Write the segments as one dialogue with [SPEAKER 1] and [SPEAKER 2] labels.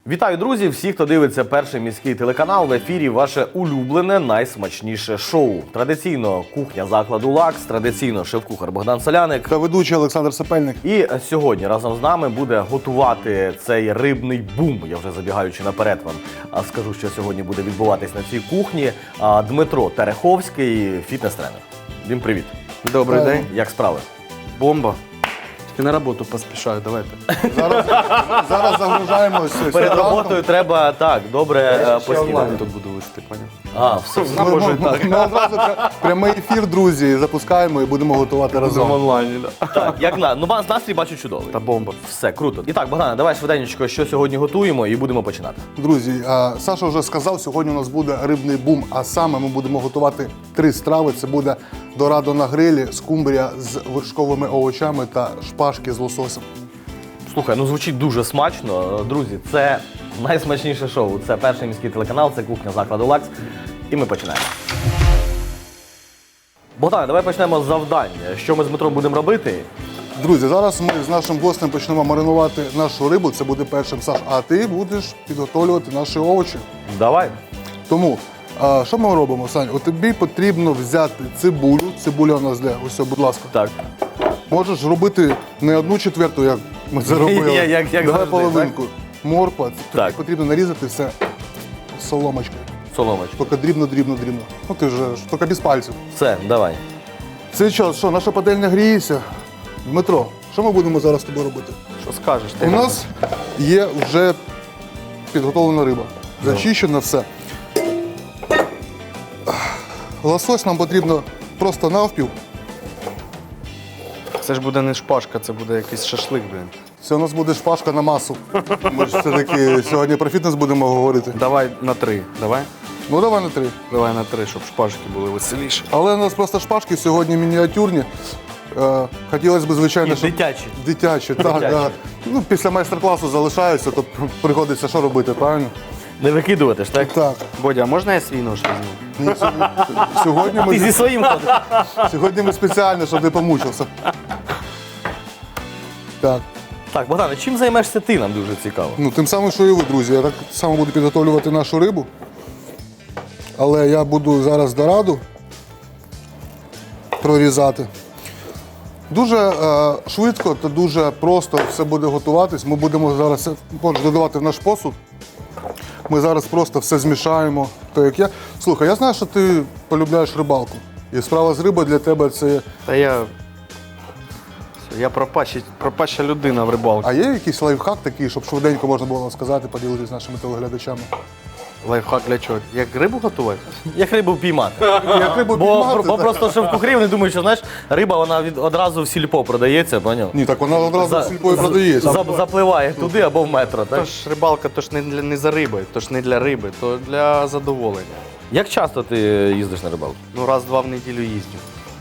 [SPEAKER 1] Вітаю, друзі! Всі, хто дивиться перший міський телеканал, в ефірі ваше улюблене, найсмачніше шоу. Традиційно кухня закладу «Лакс», традиційно шеф-кухар Богдан Соляник.
[SPEAKER 2] Та ведучий Олександр Сапельник.
[SPEAKER 1] І сьогодні разом з нами буде готувати цей рибний бум. Я вже забігаючи наперед вам скажу, що сьогодні буде відбуватись на цій кухні. Дмитро Тереховський, фітнес-тренер. Дім, привіт.
[SPEAKER 3] Добрий день.
[SPEAKER 1] Як справи?
[SPEAKER 3] Бомба. Тільки на роботу поспішаю, давайте.
[SPEAKER 2] Зараз загружаємось.
[SPEAKER 1] Перед роботою треба, так, добре поснідати.
[SPEAKER 3] онлайн тут буду вести, поняв?
[SPEAKER 1] Все.
[SPEAKER 2] Ми одразу прямий ефір, друзі, запускаємо і будемо готувати разом.
[SPEAKER 3] онлайні, да.
[SPEAKER 1] Так, як настрій бачу чудовий.
[SPEAKER 3] Та бомба.
[SPEAKER 1] Все, круто. І так, Богдане, давай швиденько, що сьогодні готуємо, і будемо починати.
[SPEAKER 2] Друзі, Саша вже сказав, сьогодні у нас буде рибний бум, а саме ми будемо готувати 3 страви. Це буде дорадо на грилі, скумбрія з вершковими овочами та шпажки з лососем.
[SPEAKER 1] Слухай, звучить дуже смачно. Друзі, це найсмачніше шоу. Це перший міський телеканал, це кухня закладу «Лакс». І ми починаємо. Богдане, давай почнемо з завдання. Що ми з Дмитром будемо робити?
[SPEAKER 2] Друзі, зараз ми з нашим гостем почнемо маринувати нашу рибу. Це буде першим Саш, а ти будеш підготовлювати наші овочі.
[SPEAKER 1] Давай.
[SPEAKER 2] Тому, що ми робимо, Сань? От тобі потрібно взяти цибулю. Цибуля у нас де? Ось, будь ласка.
[SPEAKER 1] Так.
[SPEAKER 2] Можеш робити не 1/4, як ми це робили.
[SPEAKER 1] Як
[SPEAKER 2] Давай
[SPEAKER 1] завжди,
[SPEAKER 2] половинку. Морква.
[SPEAKER 1] Так.
[SPEAKER 2] Тобі потрібно нарізати все соломочкою.
[SPEAKER 1] Соломочку.
[SPEAKER 2] Тільки дрібно. Ну ти ж, тільки без пальців.
[SPEAKER 1] Все, давай.
[SPEAKER 2] Цей час, що, наша пательня гріється? Дмитро, що ми будемо зараз з тобою робити?
[SPEAKER 3] Що скажеш?
[SPEAKER 2] У нас є вже підготовлена риба. Зачищено все. Лосось нам потрібно просто навпіл.
[SPEAKER 3] Це ж буде не шпажка, це буде якийсь шашлик, блін.
[SPEAKER 2] Це у нас буде шпажка на масу. Ми ж все-таки сьогодні про фітнес будемо говорити.
[SPEAKER 3] Давай на 3. Давай?
[SPEAKER 2] Ну давай на 3.
[SPEAKER 3] Давай на 3, щоб шпажки були веселіші.
[SPEAKER 2] Але у нас просто шпажки сьогодні мініатюрні. Хотілося б, звичайно,
[SPEAKER 1] І
[SPEAKER 2] щоб...
[SPEAKER 1] дитячі.
[SPEAKER 2] Дитячі, так.
[SPEAKER 1] Дитячі.
[SPEAKER 2] Да. Ну, після майстер-класу залишаються, то приходиться що робити, правильно?
[SPEAKER 1] Не викидувати ж, так?
[SPEAKER 2] Так.
[SPEAKER 3] Бодя, а можна я свій нож візьму?
[SPEAKER 2] Ні, сьогодні,
[SPEAKER 1] Ти зі
[SPEAKER 2] ми,
[SPEAKER 1] своїм ходиш.
[SPEAKER 2] сьогодні ми спеціально, щоб не помучився. Так.
[SPEAKER 1] Так, Богдане, чим займешся ти, нам дуже цікаво.
[SPEAKER 2] Ну, тим самим, що і ви, друзі. Я так само буду підготовлювати нашу рибу. Але я буду зараз дораду прорізати. Дуже швидко та дуже просто все буде готуватись. Ми будемо зараз додавати в наш посуд. Ми зараз просто все змішаємо. То, як я. Слухай, я знаю, що ти полюбляєш рибалку. І справа з рибою для тебе це.
[SPEAKER 3] Та я пропаща людина в рибалці.
[SPEAKER 2] А є якийсь лайфхак такий, щоб швиденько можна було сказати, поділитися з нашими телеглядачами?
[SPEAKER 3] Лайфхак для чого? Як рибу готувати?
[SPEAKER 1] Як рибу піймати.
[SPEAKER 2] Як рибу
[SPEAKER 1] Бо
[SPEAKER 2] піймати, так.
[SPEAKER 1] просто шеф-кухарі, вони думають, що, знаєш, риба, вона одразу в сільпо продається, поняв?
[SPEAKER 2] Ні, так вона одразу в сільпо і продається.
[SPEAKER 1] Запливає туди або в метро, так?
[SPEAKER 3] Тож рибалка то ж не за рибою, то ж не для риби, то для задоволення.
[SPEAKER 1] Як часто ти їздиш на рибалку?
[SPEAKER 3] Ну, раз-два в неділю їздю.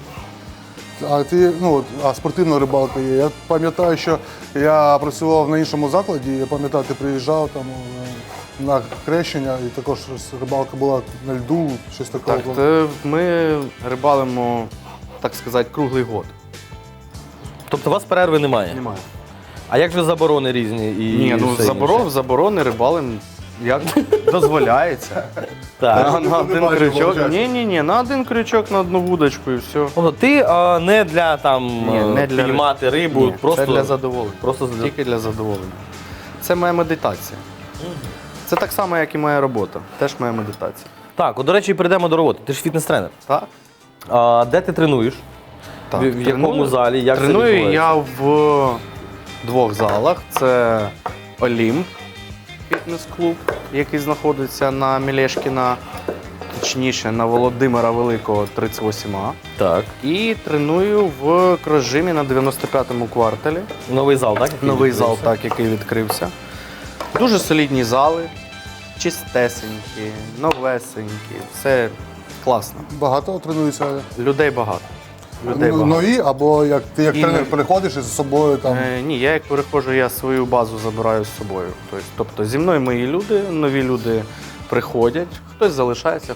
[SPEAKER 2] А ти, спортивна рибалка є. Я пам'ятаю, що я працював на іншому закладі, я пам'ятаю, ти приїжджав там на хрещення, і також рибалка була на льду, щось такого.
[SPEAKER 3] Так, то ми рибалимо, так сказати, круглий год.
[SPEAKER 1] Тобто у вас перерви немає?
[SPEAKER 3] Немає.
[SPEAKER 1] А як же заборони різні? І все інше?
[SPEAKER 3] заборони рибалим як дозволяється.
[SPEAKER 1] Так.
[SPEAKER 3] На один
[SPEAKER 2] бачиш,
[SPEAKER 3] крючок.
[SPEAKER 2] виходить.
[SPEAKER 3] Ні, на один крючок, на одну вудочку і все.
[SPEAKER 1] Тобто ти не для
[SPEAKER 3] не для
[SPEAKER 1] піймати рибу,
[SPEAKER 3] Ні,
[SPEAKER 1] просто
[SPEAKER 3] це для задоволення.
[SPEAKER 1] Просто для...
[SPEAKER 3] Тільки для задоволення. Це моя медитація. Це так само, як і моя робота. Теж моя медитація.
[SPEAKER 1] Так, до речі, перейдемо до роботи. Ти ж фітнес-тренер.
[SPEAKER 3] Так?
[SPEAKER 1] Де ти тренуєш?
[SPEAKER 3] Так.
[SPEAKER 1] В якому залі? Як це
[SPEAKER 3] Треную
[SPEAKER 1] відбувається?
[SPEAKER 3] я в 2 залах. Це Олімп, фітнес-клуб, який знаходиться на Мілешкіна, точніше на Володимира Великого, 38А.
[SPEAKER 1] Так.
[SPEAKER 3] І треную в Крожимі на 95-му кварталі.
[SPEAKER 1] Новий зал, так? який
[SPEAKER 3] Новий зал,
[SPEAKER 1] відкрився?
[SPEAKER 3] так, який відкрився. Дуже солідні зали, чистесенькі, новесенькі, все класно.
[SPEAKER 2] Багато тренуються.
[SPEAKER 3] Людей багато. Людей багато.
[SPEAKER 2] Нові, або як ти як
[SPEAKER 3] І
[SPEAKER 2] тренер
[SPEAKER 3] нові.
[SPEAKER 2] приходиш із собою там.
[SPEAKER 3] Ні, я як переходжу, я свою базу забираю з собою. Тобто зі мною мої люди, нові люди приходять, хтось залишається,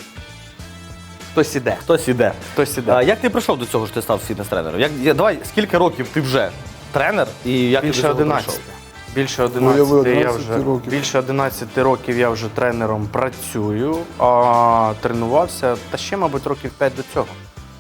[SPEAKER 3] хтось іде.
[SPEAKER 1] Хтось іде.
[SPEAKER 3] Хтось іде.
[SPEAKER 1] Як ти прийшов до цього, що ти став фітнес-тренером? Давай, скільки років ти вже тренер і як ти до
[SPEAKER 3] Більше
[SPEAKER 1] цього
[SPEAKER 3] 11.
[SPEAKER 1] прийшов?
[SPEAKER 3] Більше
[SPEAKER 2] Уяви,
[SPEAKER 3] 11 років я вже тренером працюю, а тренувався, та ще, мабуть, років 5 до цього.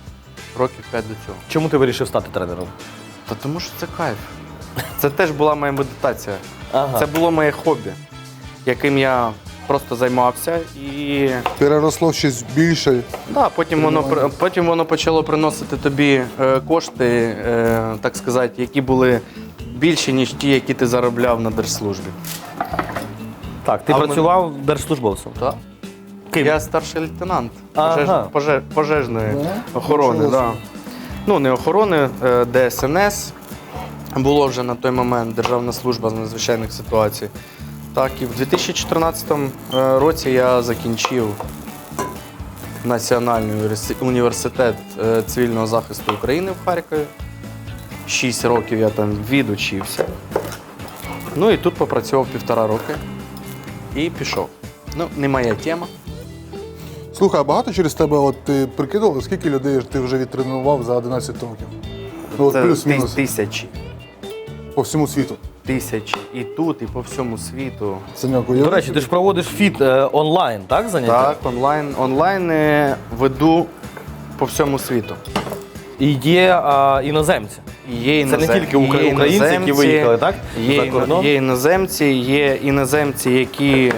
[SPEAKER 1] Чому ти вирішив стати тренером?
[SPEAKER 3] Та тому що це кайф. Це теж була моя медитація.
[SPEAKER 1] Ага.
[SPEAKER 3] Це було моє хобі, яким я просто займався і
[SPEAKER 2] Переросло в щось більше.
[SPEAKER 3] да, потім воно почало приносити тобі кошти, так сказати, які були більші, ніж ті, які ти заробляв на держслужбі.
[SPEAKER 1] Так, ти
[SPEAKER 3] А в
[SPEAKER 1] працював держслужбовцем?
[SPEAKER 3] Так.
[SPEAKER 1] Ким?
[SPEAKER 3] Я старший лейтенант
[SPEAKER 1] Ага.
[SPEAKER 3] пожежної
[SPEAKER 2] Да?
[SPEAKER 3] охорони.
[SPEAKER 2] Нічого
[SPEAKER 3] Да. Ну, не охорони, ДСНС. Було вже на той момент Державна служба з надзвичайних ситуацій. Так, і в 2014 році я закінчив Національний університет цивільного захисту України в Харкові. 6 років я там відучився. Ну і тут попрацював 1,5 роки і пішов. Ну, не моя тема.
[SPEAKER 2] Слухай, а багато через тебе, от ти прикидував, скільки людей ти вже відтренував за 11 років? Ну, от
[SPEAKER 3] Це
[SPEAKER 2] плюс-мінус
[SPEAKER 3] тисячі.
[SPEAKER 2] по всьому світу.
[SPEAKER 3] Тисячі. І тут, і по всьому світу.
[SPEAKER 2] Саньок,
[SPEAKER 1] До речі, ти ж проводиш фіт онлайн, так, заняття?
[SPEAKER 3] Так, онлайн веду по всьому світу.
[SPEAKER 1] І є іноземці.
[SPEAKER 3] Є
[SPEAKER 1] Це не тільки українці, які виїхали, так?
[SPEAKER 3] Є,
[SPEAKER 1] За кордон?
[SPEAKER 3] є іноземці, які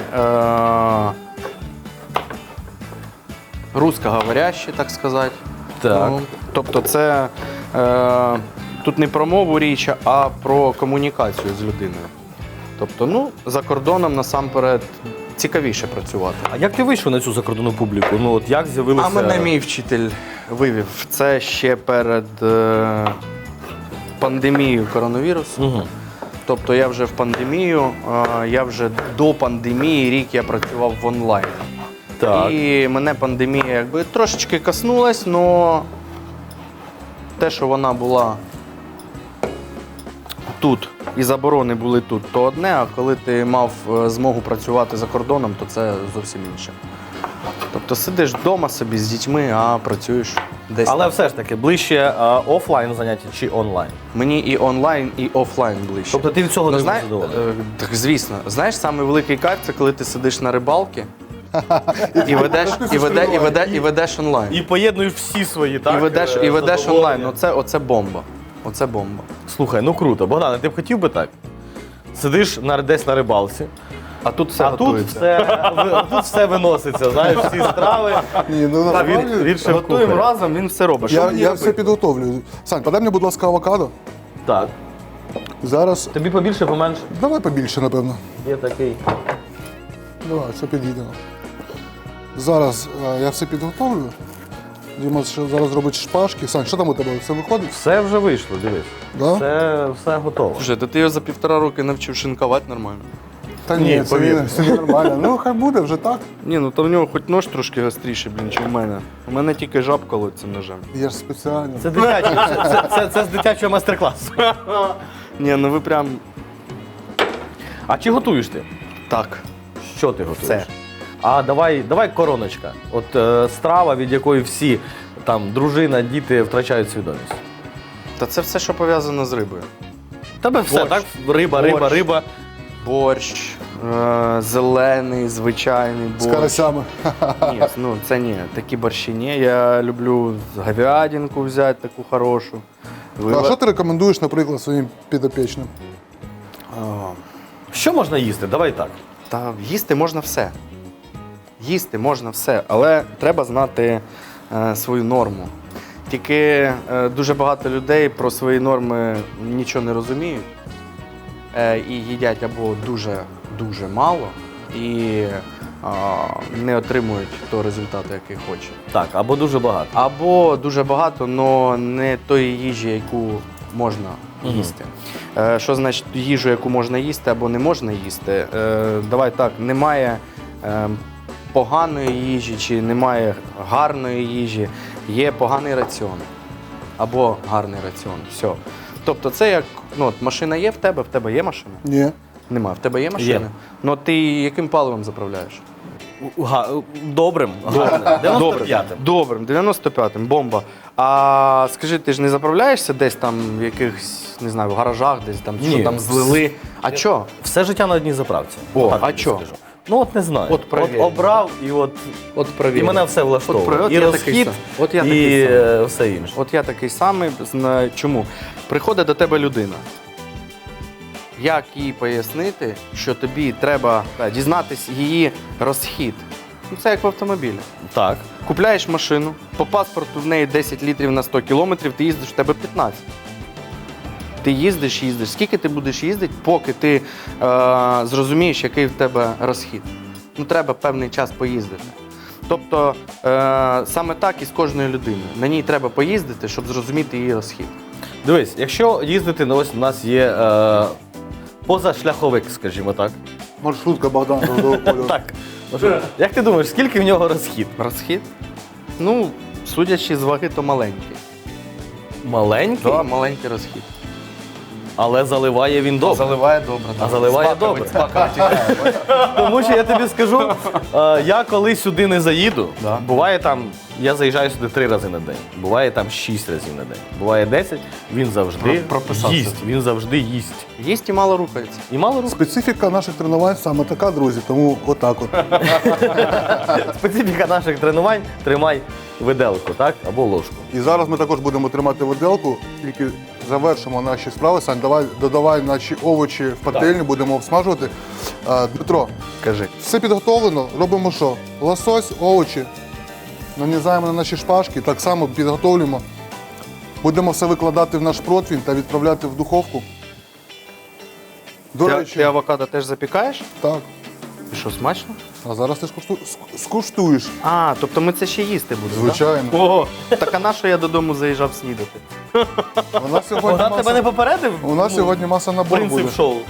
[SPEAKER 3] русскоговорящі, так сказати.
[SPEAKER 1] Так.
[SPEAKER 3] Ну, тобто це тут не про мову річ, а про комунікацію з людиною. Тобто, ну, за кордоном насамперед цікавіше працювати.
[SPEAKER 1] А як ти вийшов на цю закордонну публіку? Ну от як з'явилося?
[SPEAKER 3] А мене мій вчитель вивів. Це ще перед пандемією коронавірусу.
[SPEAKER 1] Угу.
[SPEAKER 3] Тобто я вже в пандемію, я вже до пандемії рік я працював в онлайн.
[SPEAKER 1] Так.
[SPEAKER 3] І мене пандемія якби трошечки коснулась, але те, що вона була тут і заборони були тут, то одне, а коли ти мав змогу працювати за кордоном, то це зовсім інше. Тобто сидиш вдома собі з дітьми, а працюєш десь.
[SPEAKER 1] Але
[SPEAKER 3] там.
[SPEAKER 1] все ж таки, ближче офлайн заняття чи онлайн?
[SPEAKER 3] Мені і онлайн, і офлайн ближче.
[SPEAKER 1] Тобто ти від цього не
[SPEAKER 3] Знає-
[SPEAKER 1] задоволений?
[SPEAKER 3] Так, звісно. Знаєш, самий великий кайф це коли ти сидиш на рибалці і ведеш онлайн.
[SPEAKER 1] І поєднуєш всі свої, так?
[SPEAKER 3] І ведеш онлайн.
[SPEAKER 1] задоволення.
[SPEAKER 3] Оце бомба. Оце бомба.
[SPEAKER 1] Слухай, ну круто. Богдане, ти б хотів би так? Сидиш десь на рибалці,
[SPEAKER 3] А тут все
[SPEAKER 1] а тут
[SPEAKER 3] готується.
[SPEAKER 1] тут все виноситься, знаєш, всі страви.
[SPEAKER 2] Ні, ну
[SPEAKER 3] Так,
[SPEAKER 2] насправді,
[SPEAKER 1] Він шеф-кухар.
[SPEAKER 3] Готуємо разом, він все робить. Що мені
[SPEAKER 2] я
[SPEAKER 3] робити?
[SPEAKER 2] все підготовлю. Сань, подай мені, будь ласка, авокадо.
[SPEAKER 1] Так.
[SPEAKER 2] Зараз.
[SPEAKER 1] Тобі побільше, поменше?
[SPEAKER 2] Давай побільше, напевно.
[SPEAKER 1] Є такий.
[SPEAKER 2] Давай, це підійдемо. Зараз я все підготовлю. Діма ще зараз робить шпажки. Сань, що там у тебе? Все виходить?
[SPEAKER 1] Все вже вийшло, дивись.
[SPEAKER 2] Да?
[SPEAKER 1] Все готово.
[SPEAKER 3] Слушай, та ти його за 1,5 роки навчив шинкувати нормально.
[SPEAKER 2] Та
[SPEAKER 1] Ні,
[SPEAKER 2] ні,
[SPEAKER 1] повір.
[SPEAKER 2] це нормально. Ну, хай буде вже так.
[SPEAKER 3] Ні, ну то в нього хоч нож трошки гостріший, блін, ніж у мене. У мене тільки жаб колоться ножем.
[SPEAKER 2] Я ж спеціально.
[SPEAKER 1] Це дитячий, це з дитячого майстер-класу.
[SPEAKER 3] Ні, ну ви прям
[SPEAKER 1] А чи готуєш ти?
[SPEAKER 3] так.
[SPEAKER 1] Що ти готуєш?
[SPEAKER 3] Все.
[SPEAKER 1] А давай короночка. От страва, від якої всі там дружина, діти втрачають свідомість.
[SPEAKER 3] Та це все, що пов'язано з рибою.
[SPEAKER 1] Тебе все,
[SPEAKER 3] Борщ.
[SPEAKER 1] так? Риба.
[SPEAKER 3] Борщ, зелений, звичайний
[SPEAKER 2] З
[SPEAKER 3] борщ.
[SPEAKER 2] карасями.
[SPEAKER 3] Ні, ну це ні, такі борщі ні. Я люблю говядинку взяти таку хорошу.
[SPEAKER 2] А що ти рекомендуєш, наприклад, своїм підопічним?
[SPEAKER 3] Що можна їсти? Давай так. Та їсти можна все. Їсти можна все, але треба знати свою норму. Тільки дуже багато людей про свої норми нічого не розуміють і їдять або дуже мало і не отримують того результату, який хочуть.
[SPEAKER 1] Так, або дуже багато.
[SPEAKER 3] Або дуже багато, але не тої їжі, яку можна їсти. Що значить їжу, яку можна їсти або не можна їсти? Давай так, немає поганої їжі чи немає гарної їжі, є поганий раціон або гарний раціон. Все. Тобто це як, ну, от машина є в тебе є машина?
[SPEAKER 2] Ні.
[SPEAKER 3] Нема. В тебе є машина?
[SPEAKER 1] Є.
[SPEAKER 3] Ну ти яким паливом заправляєш?
[SPEAKER 1] Добрим. 95-м.
[SPEAKER 3] Добрим, 95-м, бомба. А скажи, ти ж не заправляєшся десь там в якихось, не знаю, в гаражах, десь там,
[SPEAKER 1] Ні.
[SPEAKER 3] що там злили? А чо?
[SPEAKER 1] Все життя на одній заправці.
[SPEAKER 3] О,
[SPEAKER 1] Так
[SPEAKER 3] а
[SPEAKER 1] тобі
[SPEAKER 3] чо?
[SPEAKER 1] скажу. Ну от не знаю.
[SPEAKER 3] От провір.
[SPEAKER 1] обрав і і
[SPEAKER 3] провір.
[SPEAKER 1] мене все влаштовує.
[SPEAKER 3] От
[SPEAKER 1] І
[SPEAKER 3] я такий
[SPEAKER 1] розхід,
[SPEAKER 3] сам. От я
[SPEAKER 1] і
[SPEAKER 3] такий самий.
[SPEAKER 1] все інше.
[SPEAKER 3] От я такий самий. Чому? Приходить до тебе людина. Як їй пояснити, що тобі треба дізнатись її розхід? Ну, це як в автомобілі.
[SPEAKER 1] Так.
[SPEAKER 3] Купляєш машину, по паспорту в неї 10 літрів на 100 кілометрів, ти їздиш, в тебе 15. Ти їздиш. Скільки ти будеш їздити, поки ти зрозумієш, який в тебе розхід? Ну, треба певний час поїздити. Тобто, саме так і з кожною людиною. На ній треба поїздити, щоб зрозуміти її розхід.
[SPEAKER 1] Дивись, якщо їздити, ну ось у нас є позашляховик, скажімо так.
[SPEAKER 2] Маршрутка Богдана Трудового кольору.
[SPEAKER 1] Так. Ну що, як ти думаєш, скільки в нього розхід?
[SPEAKER 3] Розхід? Ну, судячи з ваги, то маленький.
[SPEAKER 1] Маленький,
[SPEAKER 3] Так, маленький розхід.
[SPEAKER 1] але заливає він добре.
[SPEAKER 3] Заливає добре.
[SPEAKER 1] А заливає добре. Тому що я тобі скажу, я коли сюди не заїду,
[SPEAKER 3] Да.
[SPEAKER 1] буває там, я заїжджаю сюди 3 рази на день, буває там 6 разів на день, буває 10, він завжди
[SPEAKER 3] Прописався.
[SPEAKER 1] їсть, він завжди їсть.
[SPEAKER 3] Їсть і мало рухається.
[SPEAKER 1] І мало рук.
[SPEAKER 2] Специфіка наших тренувань саме така, друзі, тому отак от.
[SPEAKER 1] Специфіка наших тренувань – тримай виделку, так? Або ложку.
[SPEAKER 2] І зараз ми також будемо тримати виделку, тільки завершимо наші справи. Сань, додавай наші овочі в пательню, будемо обсмажувати. Дмитро,
[SPEAKER 3] Кажи.
[SPEAKER 2] все підготовлено, робимо що? Лосось, овочі, нанізаємо на наші шпажки, так само підготовлюємо. Будемо все викладати в наш противень та відправляти в духовку. До
[SPEAKER 3] Ти
[SPEAKER 2] речі,
[SPEAKER 3] авокадо теж запікаєш?
[SPEAKER 2] так.
[SPEAKER 3] І що, смачно?
[SPEAKER 2] А зараз ти скуштуєш.
[SPEAKER 3] А, тобто ми це ще їсти будемо,
[SPEAKER 2] Звичайно.
[SPEAKER 3] так? Ого, так а на що я додому заїжджав снідати?
[SPEAKER 2] У нас сьогодні
[SPEAKER 1] Вона тебе не попередив?
[SPEAKER 2] у нас сьогодні маса набору буде.
[SPEAKER 1] принцип шоу.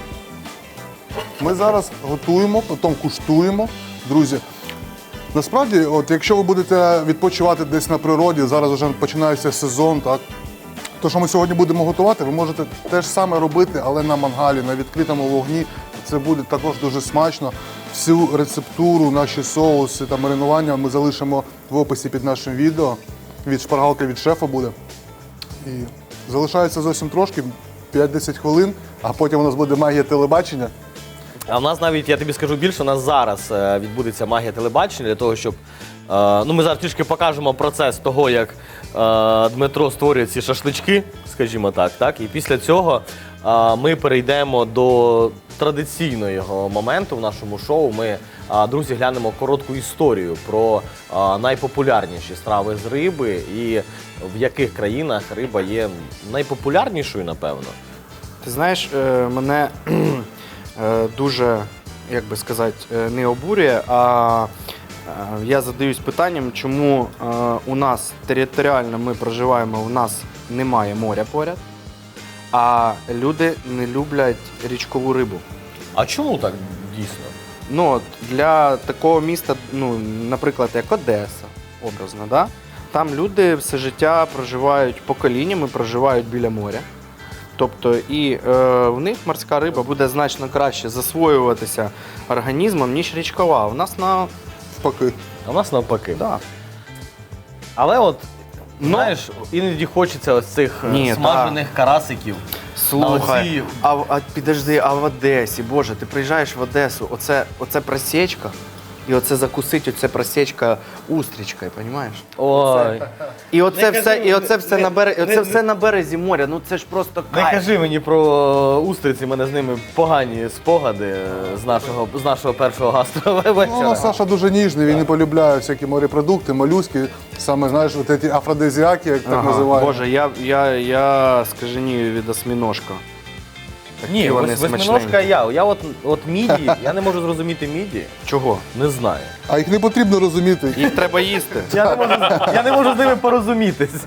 [SPEAKER 2] Ми зараз готуємо, потім куштуємо. Друзі, насправді, от якщо ви будете відпочивати десь на природі, зараз вже починається сезон, так? То, що ми сьогодні будемо готувати, ви можете те ж саме робити, але на мангалі, на відкритому вогні. Це буде також дуже смачно. Всю рецептуру, наші соуси та маринування ми залишимо в описі під нашим відео. Від шпаргалки від шефа буде. І залишається зовсім трошки, 5-10 хвилин, а потім у нас буде магія телебачення.
[SPEAKER 1] А в нас навіть, я тобі скажу більше, у нас зараз відбудеться магія телебачення для того, щоб ну, ми зараз трішки покажемо процес того, як Дмитро створює ці шашлички, скажімо так. І після цього ми перейдемо до традиційного моменту в нашому шоу. Ми, друзі, глянемо коротку історію про найпопулярніші страви з риби і в яких країнах риба є найпопулярнішою, напевно.
[SPEAKER 3] Ти знаєш, мене дуже, як би сказати, не обурює, а я задаюсь питанням, чому у нас територіально ми проживаємо, у нас немає моря поряд, а люди не люблять річкову рибу.
[SPEAKER 1] А чому так дійсно?
[SPEAKER 3] Ну, от для такого міста, ну, наприклад, як Одеса, образно, да? Там люди все життя проживають поколіннями, проживають біля моря. Тобто і в них морська риба буде значно краще засвоюватися організмом, ніж річкова. У нас
[SPEAKER 2] Навпаки.
[SPEAKER 1] А в нас навпаки.
[SPEAKER 3] Да.
[SPEAKER 1] Але от, знаєш, іноді хочеться ось цих
[SPEAKER 3] Ні,
[SPEAKER 1] смажених карасиків.
[SPEAKER 3] Слухай,
[SPEAKER 1] оці-
[SPEAKER 3] підожди, а в Одесі, Боже, ти приїжджаєш в Одесу, оце просічка, і оце закусить, оце просічка устрічкою, розумієш?
[SPEAKER 1] Ой,
[SPEAKER 3] І оце
[SPEAKER 1] Не
[SPEAKER 3] все,
[SPEAKER 1] кажи,
[SPEAKER 3] і оце все
[SPEAKER 1] не-
[SPEAKER 3] на березі,
[SPEAKER 1] не-
[SPEAKER 3] оце все на березі моря. Ну це ж просто
[SPEAKER 1] не
[SPEAKER 3] кайф.
[SPEAKER 1] кажи мені про устриці, в мене з ними погані спогади з нашого першого гастровечора.
[SPEAKER 2] Ну, Саша дуже ніжний, він не полюбляє всякі морепродукти, молюски, саме, знаєш, от ці афродизіаки, як так
[SPEAKER 3] Ага,
[SPEAKER 2] називають.
[SPEAKER 3] Боже, я скаженію від осьміножка.
[SPEAKER 1] Ні,
[SPEAKER 3] Такі вони
[SPEAKER 1] восьминожка
[SPEAKER 3] смачненькі.
[SPEAKER 1] я от міді, я не можу зрозуміти міді,
[SPEAKER 3] Чого?
[SPEAKER 1] не знаю.
[SPEAKER 2] А їх не потрібно розуміти.
[SPEAKER 3] Їх треба їсти.
[SPEAKER 1] Я не можу з ними порозумітися.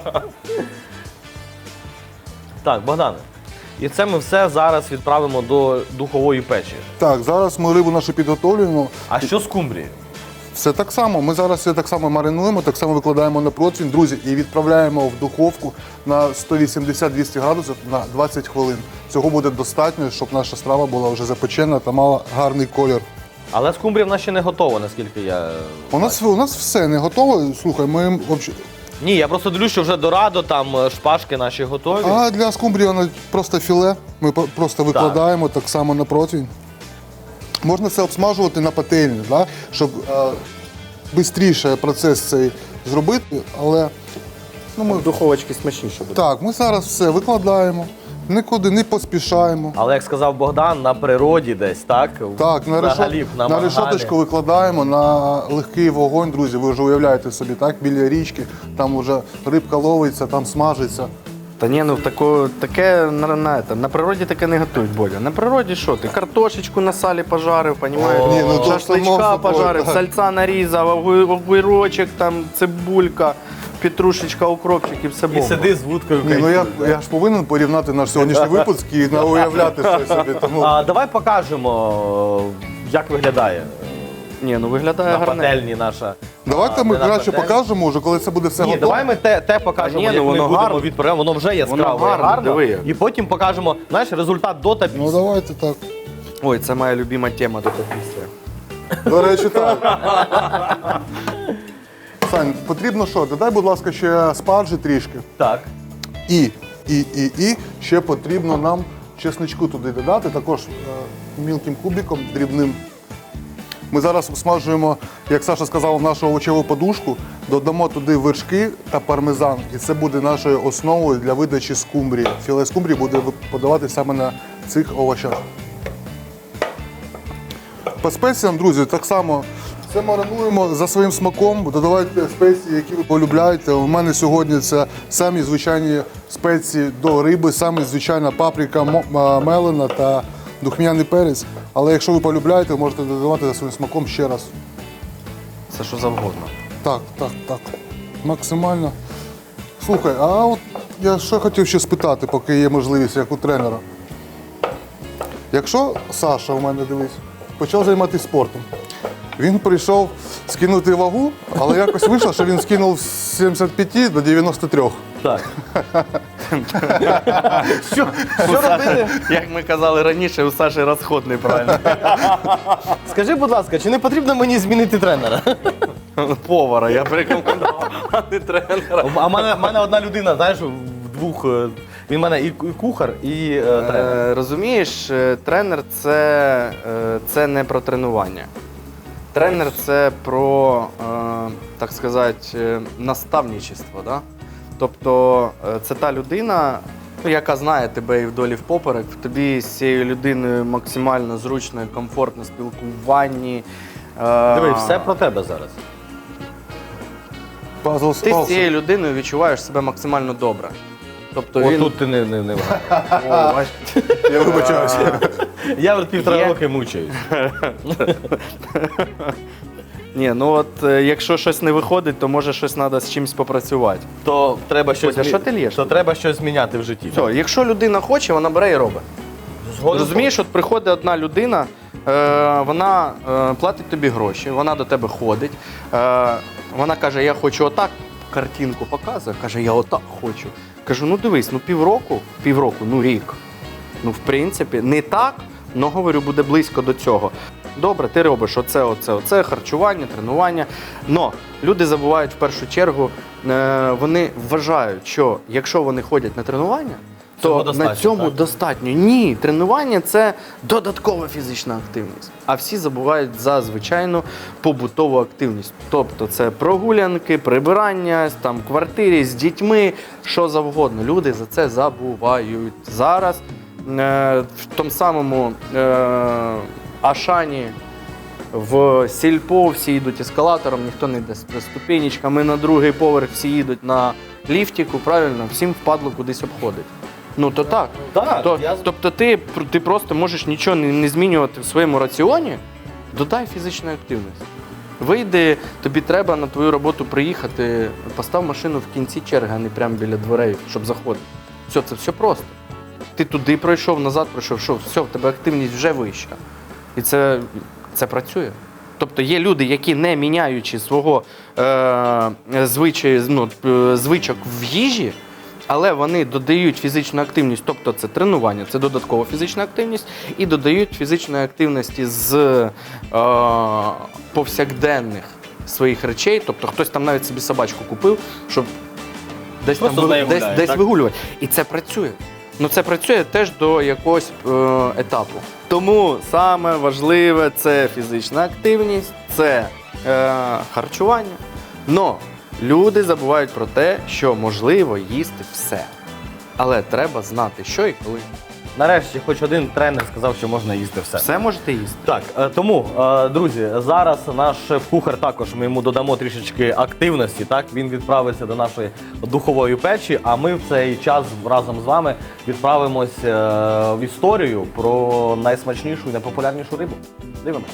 [SPEAKER 1] Так, Богдане, і це ми все зараз відправимо до духової печі.
[SPEAKER 2] Так, зараз ми рибу нашу підготовлюємо.
[SPEAKER 1] А що з скумбрією?
[SPEAKER 2] Все так само. Ми зараз все так само маринуємо, так само викладаємо на противень, друзі, і відправляємо в духовку на 180-200 градусів на 20 хвилин. Цього буде достатньо, щоб наша страва була вже запечена та мала гарний колір.
[SPEAKER 1] Але скумбрія в нас ще не готова, наскільки я...
[SPEAKER 2] У нас все не готово. Слухай, ми
[SPEAKER 1] Ні, я просто дивлюсь, що вже дорадо, там шпажки наші готові.
[SPEAKER 2] А для скумбрії воно просто філе. Ми просто викладаємо так само на противень. Можна це обсмажувати на пательні, да? Щоб швидше процес цей зробити, але ми,
[SPEAKER 3] Духовочки смачніше буде.
[SPEAKER 2] так, ми зараз все викладаємо, нікуди не поспішаємо.
[SPEAKER 1] Але, як сказав Богдан, на природі десь, так?
[SPEAKER 2] Так,
[SPEAKER 1] Взагалі,
[SPEAKER 2] на
[SPEAKER 1] мангалі.
[SPEAKER 2] решеточку викладаємо на легкий вогонь, друзі. Ви вже уявляєте собі, так, біля річки, там вже рибка ловиться, там смажиться.
[SPEAKER 3] Та ні, ну таке на природі таке не готують, Боля. На природі що ти? Картошечку на салі пожарив, понімаєш?
[SPEAKER 2] Ні, ну, то само
[SPEAKER 3] Шашличка
[SPEAKER 2] собою,
[SPEAKER 3] пожарив,
[SPEAKER 2] так.
[SPEAKER 3] сальця нарізав, огірочок, там, цибулька, петрушечка, укропчик і все
[SPEAKER 1] І
[SPEAKER 3] бомба.
[SPEAKER 1] сиди з вудкою.
[SPEAKER 2] Ні, ну
[SPEAKER 1] кайфуй.
[SPEAKER 2] я ж повинен порівняти наш сьогоднішній випуск і уявляти щось собі. Тому
[SPEAKER 1] Давай покажемо, як виглядає
[SPEAKER 3] Ні, ну виглядає
[SPEAKER 1] на
[SPEAKER 3] гарно.
[SPEAKER 1] пательні наша.
[SPEAKER 2] давайте ми
[SPEAKER 1] не на
[SPEAKER 2] краще
[SPEAKER 1] пательні.
[SPEAKER 2] покажемо вже, коли це буде все
[SPEAKER 1] Ні,
[SPEAKER 2] готово.
[SPEAKER 1] давай ми те покажемо,
[SPEAKER 3] Ні, ну,
[SPEAKER 1] як ми
[SPEAKER 3] воно
[SPEAKER 1] будемо
[SPEAKER 3] гарно.
[SPEAKER 1] відправляти. Воно вже яскраво
[SPEAKER 3] Воно
[SPEAKER 1] і
[SPEAKER 3] гарно,
[SPEAKER 1] гарно.
[SPEAKER 3] диви як.
[SPEAKER 1] І потім покажемо, знаєш, результат до та
[SPEAKER 2] Ну
[SPEAKER 1] після.
[SPEAKER 2] давайте так.
[SPEAKER 3] Ой, це моя любима тема тут після.
[SPEAKER 2] До речі, так. Сань, потрібно що? Додай, будь ласка, ще спаржі трішки.
[SPEAKER 1] Так.
[SPEAKER 2] І ще потрібно нам чесничку туди додати, також мілким кубиком, дрібним. Ми зараз смажуємо, як Саша сказав, нашу овочеву подушку, додамо туди вершки та пармезан. І це буде нашою основою для видачі скумбрії. Філе скумбрії буде подаватися саме на цих овочах. По спеціям, друзі, так само все маринуємо за своїм смаком, додавайте спеції, які ви полюбляєте. У мене сьогодні це самі звичайні спеції до риби, самі звичайна паприка мелена та духмяний перець. Але якщо ви полюбляєте, ви можете додавати за своїм смаком ще раз.
[SPEAKER 3] Це що завгодно.
[SPEAKER 2] Так. Максимально. Слухай, а от я що хотів ще спитати, поки є можливість, як у тренера. Якщо Саша у мене, дивись, почав займатися спортом, він прийшов скинути вагу, але якось вийшло, що він скинув з 75 до 93.
[SPEAKER 1] Так. Що робити?
[SPEAKER 3] Як ми казали раніше, у Саші розход неправильно.
[SPEAKER 1] Скажи, будь ласка, чи не потрібно мені змінити тренера?
[SPEAKER 3] Повара, я б рекомендував, а не тренера.
[SPEAKER 1] А в мене одна людина, знаєш, в двох. Він в мене і кухар, і тренер.
[SPEAKER 3] Розумієш, тренер це не про тренування. Тренер це про, так сказати, наставничество. Да? Тобто це та людина, яка знає тебе і вдоль, і впоперек, тобі з цією людиною максимально зручно і комфортно спілкуванні.
[SPEAKER 1] Диви, все про тебе зараз.
[SPEAKER 2] Пазл
[SPEAKER 3] Ти з
[SPEAKER 2] спався.
[SPEAKER 3] цією людиною відчуваєш себе максимально добре. Тобто
[SPEAKER 1] От
[SPEAKER 3] він...
[SPEAKER 1] тут ти не
[SPEAKER 3] О, бач.
[SPEAKER 2] Я вибачаюся.
[SPEAKER 1] Я вже півтора
[SPEAKER 3] Є.
[SPEAKER 1] роки мучаюсь.
[SPEAKER 3] Ні, ну от якщо щось не виходить, то може щось треба з чимось попрацювати.
[SPEAKER 1] То треба щось,
[SPEAKER 3] Бодя, що ти лєш?
[SPEAKER 1] то треба щось зміняти в житті.
[SPEAKER 3] Все, якщо людина хоче, вона бере і робить. Розумієш, от приходить одна людина, вона платить тобі гроші, вона до тебе ходить, вона каже, я хочу отак, картинку показує, каже, я отак хочу. Кажу, ну дивись, ну півроку, ну рік. Ну, в принципі, не так, але, говорю, буде близько до цього. Добре, ти робиш оце, харчування, тренування. Но люди забувають в першу чергу, вони вважають, що якщо вони ходять на тренування,
[SPEAKER 1] Цього
[SPEAKER 3] то
[SPEAKER 1] достатньо,
[SPEAKER 3] на цьому
[SPEAKER 1] так?
[SPEAKER 3] достатньо. Ні, тренування це додаткова фізична активність. А всі забувають за звичайну побутову активність. Тобто це прогулянки, прибирання, там, в квартирі з дітьми, що завгодно. Люди за це забувають. Зараз в тому самому Ашані, в сільпо всі йдуть ескалатором, ніхто не йде ступенечками, на другий поверх всі їдуть на ліфтику, правильно, всім впадло кудись обходить. Ну то так.
[SPEAKER 1] Так,
[SPEAKER 3] Тобто ти просто можеш нічого не змінювати в своєму раціоні, додай фізичної активності. Вийди, тобі треба на твою роботу приїхати, постав машину в кінці черги, а не прямо біля дверей, щоб заходити. Все, це все просто. Ти туди пройшов, назад пройшов, що все, в тебе активність вже вища. І це працює. Тобто є люди, які не міняючи свого звичок в їжі, але вони додають фізичну активність, тобто це тренування, це додаткова фізична активність, і додають фізичної активності з повсякденних своїх речей, тобто хтось там навіть собі собачку купив, щоб десь
[SPEAKER 1] Просто
[SPEAKER 3] там
[SPEAKER 1] з нею
[SPEAKER 3] десь,
[SPEAKER 1] гуляє,
[SPEAKER 3] десь
[SPEAKER 1] так?
[SPEAKER 3] вигулювати. І це працює. Ну це працює теж до якогось етапу. Тому саме важливе це фізична активність, це харчування. Но люди забувають про те, що можливо їсти все. Але треба знати, що і коли.
[SPEAKER 1] Нарешті, хоч один тренер сказав, що можна їсти все.
[SPEAKER 3] Все можете їсти.
[SPEAKER 1] Так, тому, друзі, зараз наш шеф-кухар також, ми йому додамо трішечки активності, так? Він відправиться до нашої духової печі, а ми в цей час разом з вами відправимось в історію про найсмачнішу і найпопулярнішу рибу. Дивимось.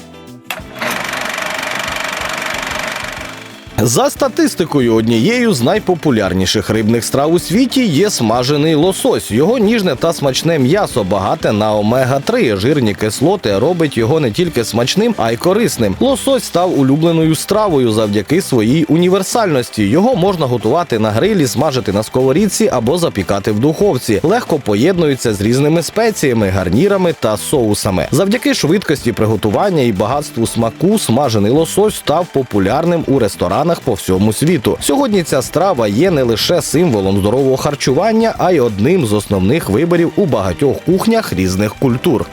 [SPEAKER 4] За статистикою, однією з найпопулярніших рибних страв у світі є смажений лосось. Його ніжне та смачне м'ясо, багате на омега-3. Жирні кислоти робить його не тільки смачним, а й корисним. Лосось став улюбленою стравою завдяки своїй універсальності. Його можна готувати на грилі, смажити на сковорідці або запікати в духовці. Легко поєднується з різними спеціями, гарнірами та соусами. Завдяки швидкості приготування і багатству смаку смажений лосось став популярним у ресторанах по всьому світу. Сьогодні ця страва є не лише символом здорового харчування, а й одним з основних виборів у багатьох кухнях різних культур.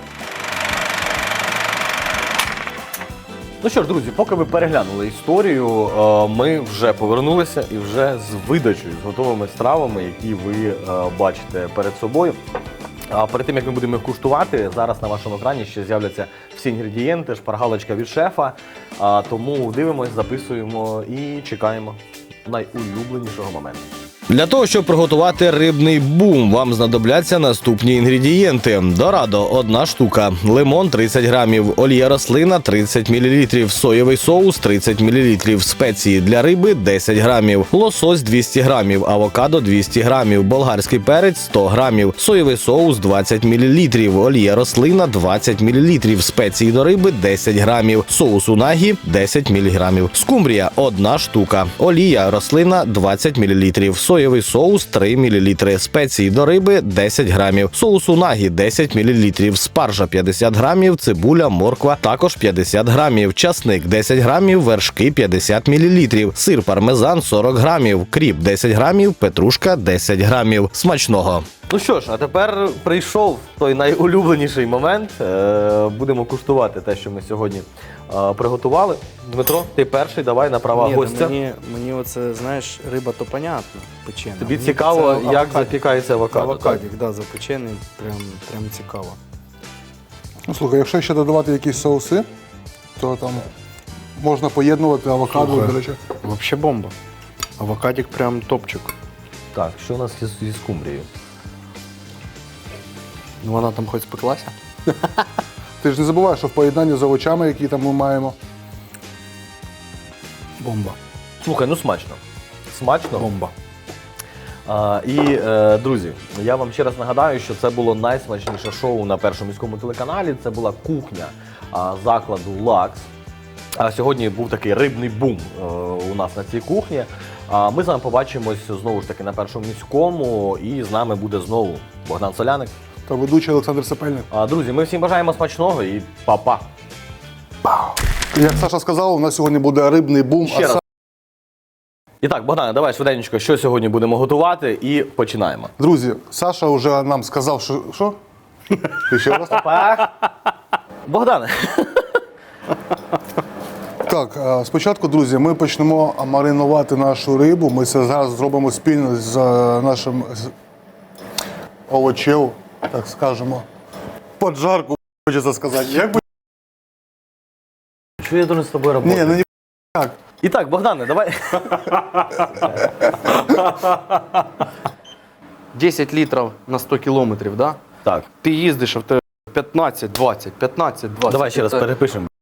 [SPEAKER 1] Ну що ж, друзі, поки ви переглянули історію, ми вже повернулися і вже з видачею, з готовими стравами, які ви бачите перед собою. А перед тим, як ми будемо їх куштувати, зараз на вашому екрані ще з'являться всі інгредієнти, шпаргалочка від шефа. Тому дивимось, записуємо і чекаємо найулюбленішого моменту.
[SPEAKER 4] Для того, щоб приготувати рибний бум, вам знадобляться наступні інгредієнти. Дорадо – 1 штука, лимон – 30 грамів, олія рослина – 30 мл, соєвий соус – 30 мл, спеції для риби – 10 грамів, лосось – 200 грамів, авокадо – 200 грамів, болгарський перець – 100 грамів, соєвий соус – 20 мл, олія рослина – 20 мл, спеції до риби – 10 грамів, соус унагі – 10 мг, скумбрія – 1 штука, олія рослина – 20 мл, соєвий соус 3 мл, спеції до риби 10 грамів, соус унагі 10 мл, спаржа 50 грамів, цибуля, морква також 50 грамів, часник 10 грамів, вершки 50 мл, сир пармезан 40 грамів, кріп 10 грамів, петрушка 10 грамів. Смачного!
[SPEAKER 1] Ну що ж, а тепер прийшов той найулюбленіший момент. Будемо куштувати те, що ми сьогодні приготували. Дмитро, ти перший, давай на права гостя.
[SPEAKER 3] Мені оце, знаєш, риба то понятно, печена.
[SPEAKER 1] Тобі
[SPEAKER 3] Мені
[SPEAKER 1] цікаво,
[SPEAKER 3] це
[SPEAKER 1] як
[SPEAKER 3] авокадік.
[SPEAKER 1] запікається авокадо.
[SPEAKER 3] Авокадік, да, запечений, прям цікаво.
[SPEAKER 2] Ну, слухай, якщо ще додавати якісь соуси, то там можна поєднувати авокадо,
[SPEAKER 3] Слухай.
[SPEAKER 2] до речі.
[SPEAKER 3] Вообще бомба. Авокадік прям топчик.
[SPEAKER 1] Так, що у нас зі скумбрією?
[SPEAKER 3] Ну вона там хоч спеклася.
[SPEAKER 2] Ти ж не забувай, що в поєднанні з овочами, які там ми маємо.
[SPEAKER 3] Бомба.
[SPEAKER 1] Слухай, ну смачно. Смачно.
[SPEAKER 3] Бомба.
[SPEAKER 1] Друзі, я вам ще раз нагадаю, що це було найсмачніше шоу на Першому міському телеканалі. Це була кухня закладу «Лакс». Сьогодні був такий рибний бум у нас на цій кухні. Ми з вами побачимось знову ж таки на Першому міському, і з нами буде знову Богдан Соляник.
[SPEAKER 2] Та ведучий Олександр Сапельник.
[SPEAKER 1] Друзі, ми всім бажаємо смачного і па-па!
[SPEAKER 2] Як Саша сказав, у нас сьогодні буде рибний бум.
[SPEAKER 1] Ще раз. І так, Богдане, давай швиденько, що сьогодні будемо готувати, і починаємо.
[SPEAKER 2] Друзі, Саша вже нам сказав, що. Що? Ти ще раз?
[SPEAKER 1] Богдане,
[SPEAKER 2] Так, спочатку, друзі, ми почнемо маринувати нашу рибу. Ми це зараз зробимо спільно з нашим овочем, так скажемо. Поджарку, хочеться сказати. Як би...
[SPEAKER 1] що я должен з тобою робити?
[SPEAKER 2] Ні, ну ніяк.
[SPEAKER 1] І так, Богдане, давай.
[SPEAKER 3] 10 літрів на 100 кілометрів, да?
[SPEAKER 1] Так,
[SPEAKER 3] Ти їздиш, а в тебе 15-20, 15-20.
[SPEAKER 1] давай ще раз
[SPEAKER 3] Це-
[SPEAKER 1] перепишемо.